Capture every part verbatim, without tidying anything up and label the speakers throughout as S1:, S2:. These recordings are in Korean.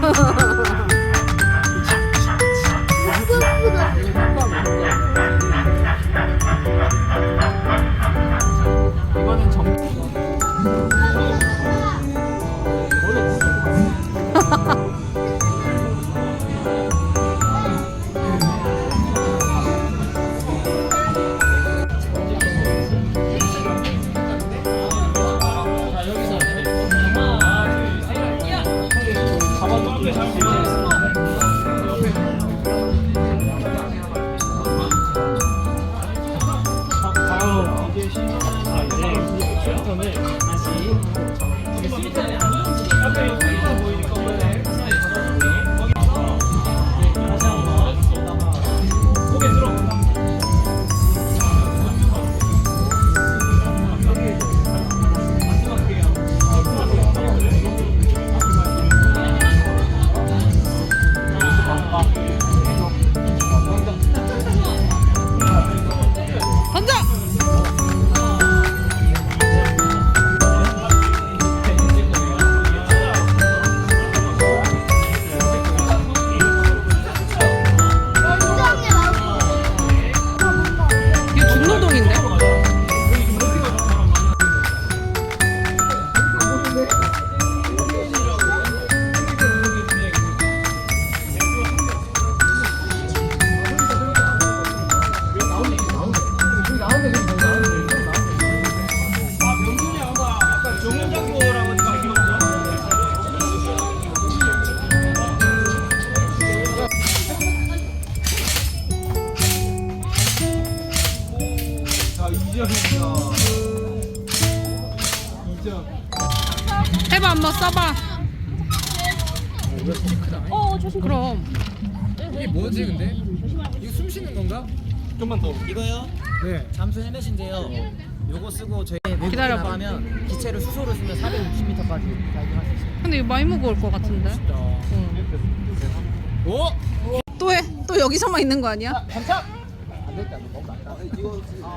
S1: 이거는 정.
S2: 해봐, 한번 써봐.
S3: 어 조심.
S2: 그럼.
S1: 이게 뭐지 근데? 이거 숨 쉬는 건가?
S4: 좀만 더. 이거요?
S1: 네.
S4: 잠수 헬멧인데요. 요거 쓰고 저희 외국에
S2: 기다려봐.
S4: 나가면 기체를 수소로 쓰면 사백육십 미터까지 다이빙할 수 있어요.
S2: 근데 이거 많이 무거울 것 같은데.
S1: 오?
S2: 또 해. 또 여기서만 있는 거 아니야?
S4: 반짝. 안 됐다. 너무 낮다. 이거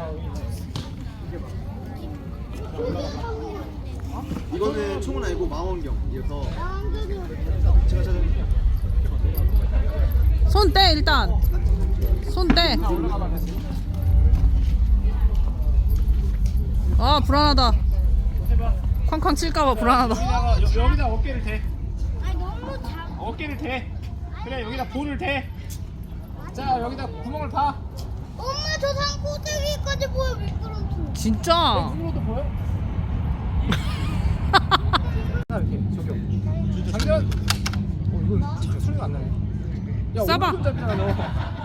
S5: 이거는 총은 아니고 망원경이어서 제가 찾은
S2: 손 떼, 일단. 손 떼. 아, 불안하다. 쾅쾅 칠까봐 불안하다.
S6: 여기다가 여, 여기다 어깨를 대. 어깨를 대. 그래 여기다 볼을 대. 자 여기다 구멍을 파.
S3: 엄마 저 산 꼭대기까지 보여 미끄럼틀.
S2: 진짜?
S6: 이거도 보여? 이렇게 저기요. 장전. 어 이거 진짜 소리가 안 나네. 야
S2: 쏴봐.
S6: 오른손 잡이잖아 너.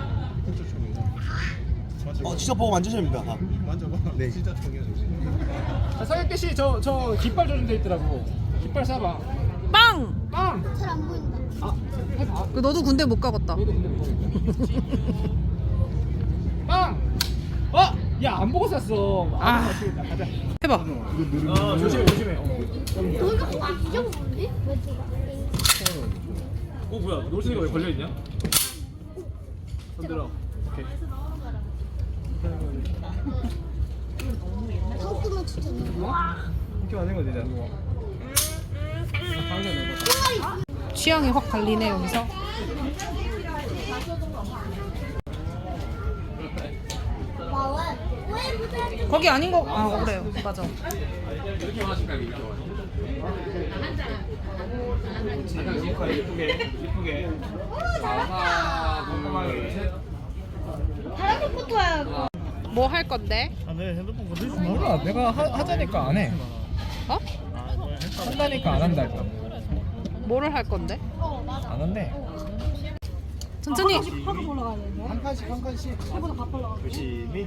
S5: 어 직접 보고 만지셔야 됩니다. 만져봐. 네. 진짜
S6: 자, 사격대 씨, 저, 저 깃발 조준돼 있더라고. 깃발 쏴봐.
S2: 빵!
S6: 빵!
S3: 잘 안 보인다.
S6: 아, 해봐.
S2: 그 너도 군대 못 가겠다.
S6: 너도 근데 모르겠다. 빵! 어! 야, 안 보고 쐈어.
S2: 아.
S6: 아, 맞추겠다. 가자.
S2: 해봐.
S6: 아, 조심해, 조심해. 어.
S3: 너희가 와 잊어먹었니? 왜 들어가?
S6: 어, 뭐야? 노스이가 왜 걸려있냐? 손 들어. 오케이.
S3: 턱구멍 진짜
S6: 이렇게 만든 거 되잖아. 방금 내가.
S2: 취향이 확 갈리네, 여기서. 거기 아닌 거, 아, 그래요. 맞아.
S6: 이렇게 마실까? 이렇게 마실까? 예쁘게, 예쁘게. 하나, 꼼꼼하게, 셋.
S3: 다른 것부터 해야
S2: 뭐 할 건데?
S1: 몰라. 내가 하, 하자니까 안 해.
S2: 어?
S1: 한다니까 안 한다 일단.
S2: 뭐를 할 건데?
S1: 안 한대.
S2: 천천히.
S1: 한 칸씩 한 칸씩.
S5: 조심히.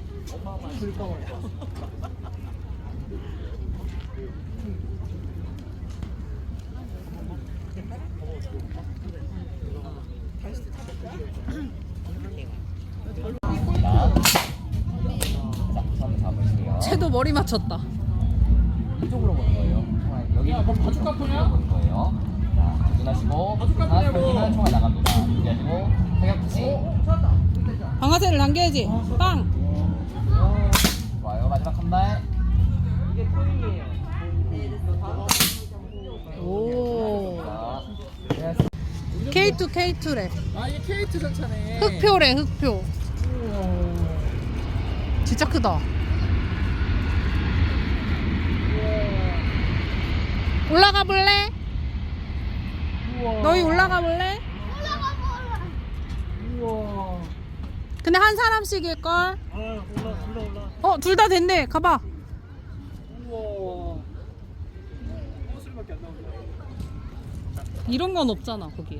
S2: 쟤도 머리 맞췄다.
S4: 이쪽으로 보는 거예요. 총알 여기
S6: 야, 뭐 바둑 카프냐?
S4: 보는 거예요. 자, 조준하시고
S6: 바둑
S4: 하나
S6: 카프냐고.
S4: 던지면 총알 나갑니다. 준비하시고 사격 붙이.
S2: 방아쇠를 당겨야지. 빵!
S4: 좋아요. 마지막 한 발.
S2: 오.
S4: 자,
S2: 케이 투 케이 투래.
S1: 아 이게 케이 투 전차네.
S2: 흑표래 흑표. 진짜 크다. 올라가 볼래? 너희 올라가 볼래?
S3: 올라가 볼래.
S6: 우와.
S2: 근데 한 사람씩일 걸.
S6: 아 올라 올라 올라.
S2: 어, 둘 다 됐네. 가봐.
S6: 우와. 소리밖에 안 나온다.
S2: 이런 건 없잖아 거기에.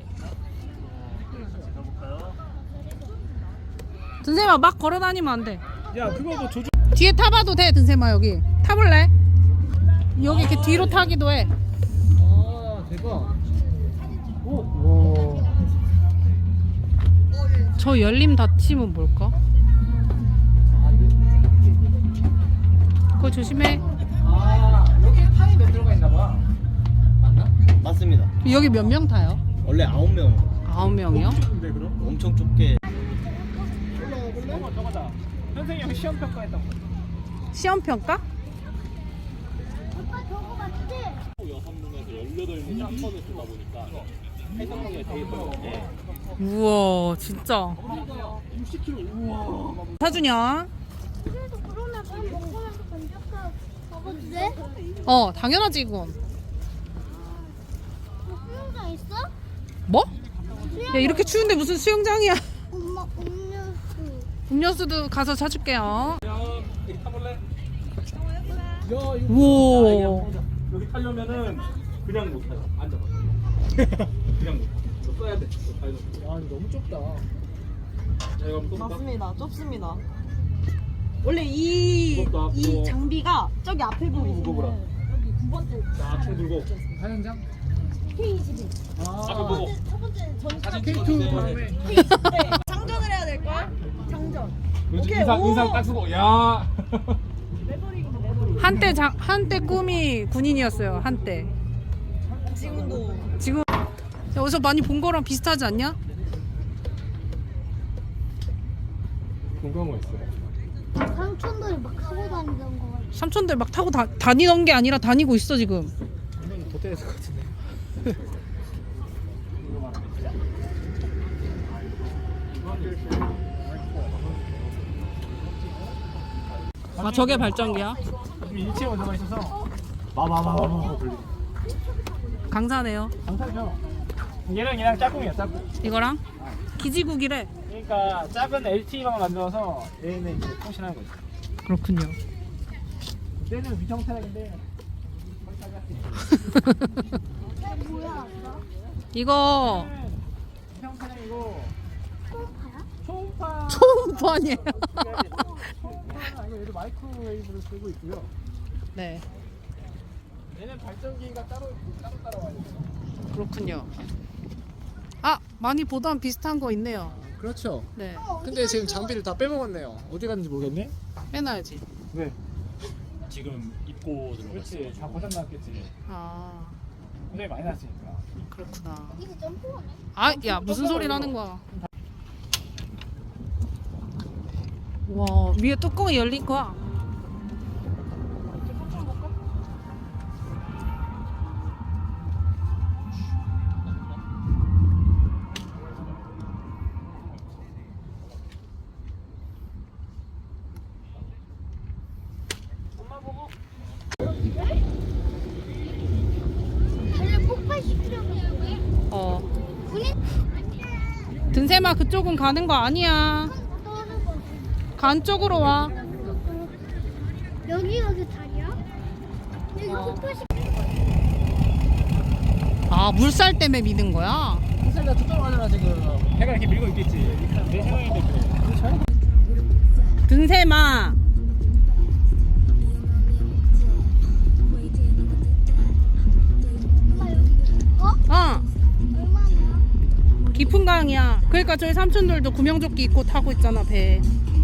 S2: 든세마 막 걸어 다니면 안 돼.
S6: 야 그거 뭐 조종.
S2: 뒤에 타봐도 돼, 든세마 여기. 타볼래? 여기 이렇게 뒤로 타기도 해.
S1: 아 대박.
S6: 오. 와.
S2: 저 열림 닫힘은 뭘까? 그거 조심해.
S6: 아 여기 타이 몇 들어가 있나 봐. 맞나?
S5: 맞습니다.
S2: 여기 몇 명 타요?
S5: 원래 아홉 명.
S2: 아홉 명이요?
S6: 근데 그럼?
S5: 엄청 좁게.
S6: 저거 저거다. 선생님 여기 시험 평가했던 거.
S2: 시험 평가?
S3: 오빠 저거 맞지?
S2: 우와, 진짜.
S6: 육십 킬로그램. 우와.
S2: 사주냐?
S3: 그래도 그러면 밥 먹으면서 건져서 먹어도 돼?
S2: 어, 당연하지 이건.
S3: 뭐 수영장 있어?
S2: 뭐? 야, 이렇게 추운데 무슨 수영장이야?
S3: 엄마 음료수.
S2: 음료수도 가서 사줄게요.
S6: 야 여기 타볼래? 야 이거.
S2: 우와.
S6: 여기 타려면은 그냥 못 타요. 앉아봐. 그냥 못 타. 이거 써야 돼. 이거 타야 돼. 야 이거 너무 좁다. 자 이거 한번 또 볼까?
S7: 맞습니다. 좁습니다. 원래 이,
S6: 무겁다,
S7: 이
S6: 무거워.
S7: 장비가 저기 앞에 보고
S6: 무거워라.
S7: 여기 구 번째
S6: 자, 총 들고.
S1: 사연장?
S7: 케이 이십일.
S6: 아, 앞에 보고.
S7: 첫 번째 전차
S1: 케이 투 다음에.
S7: 케이 이십일. 장전을 해야 될 걸? 장전.
S6: 그렇지.
S7: 오케이,
S6: 인상
S7: 오.
S6: 인상 딱 쓰고. 야.
S7: 레버링이네 레버링.
S2: 한때 장, 한때 꿈이 군인이었어요. 한때.
S7: 지금도
S2: 지금 어디서 많이 본 거랑 비슷하지 않냐?
S6: 궁금한 거 있어.
S3: 삼촌들이 막 타고 다니던 거 같아.
S2: 삼촌들 막 타고 다, 다니던 게 아니라 다니고 있어 지금.
S1: 이건 도태했을 것 같은데.
S2: 아, 저게 발전기야?
S6: 지금 일체에 들어가 있어서
S5: 마마마마.
S2: 강사네요.
S6: 강사죠. 얘랑 얘랑 짝꿍이야, 짝꿍.
S2: 이거랑 기지국이래.
S6: 그러니까 작은 엘티이만 만들어서 얘는 이제 통신하는 거지.
S2: 그렇군요.
S6: 그때는 위성태락인데
S3: 이게 뭐야?
S2: 이거
S6: 위성태락이고
S3: 초음파야?
S6: 초음파.
S2: 초음파니에요.
S6: 초음파는 아니고 얘도 마이크로웨이브를 쓰고 있고요.
S2: 네,
S6: 얘는 발전기가 따로 따로 따라와야 돼.
S2: 그렇군요. 아, 많이 보던 비슷한 거 있네요.
S1: 그렇죠.
S2: 네,
S1: 근데 지금 장비를 다 빼먹었네요.
S6: 어디 갔는지 모르겠네.
S2: 빼놔야지.
S6: 왜?
S8: 지금 입고 들어갔어.
S6: 그렇지. 다 고장 났겠지.
S2: 아,
S6: 고장이 많이 났으니까.
S2: 그렇구나.
S3: 이게 점프하네.
S2: 아, 야, 무슨 소리 나는 거야? 와, 위에 뚜껑이 열린 거야.
S3: 얘를 폭발시키려고 해.
S2: 어,
S3: 군인
S2: 든세마 그쪽은 가는 거 아니야.
S3: 떠는 거지.
S2: 간 쪽으로 와.
S3: 여기 여기 다리야? 여기
S2: 어.
S3: 폭발시.
S2: 아, 물살 때문에 미는 거야?
S6: 회사가 초점을 하잖아 지금. 해가 이렇게 밀고 있겠지. 내 생각인데 그래.
S2: 든세마.
S3: 엄마 여기. 어?
S2: 어,
S3: 얼마나?
S2: 깊은 강이야. 그러니까 저희 삼촌들도 구명조끼 입고 타고 있잖아, 배.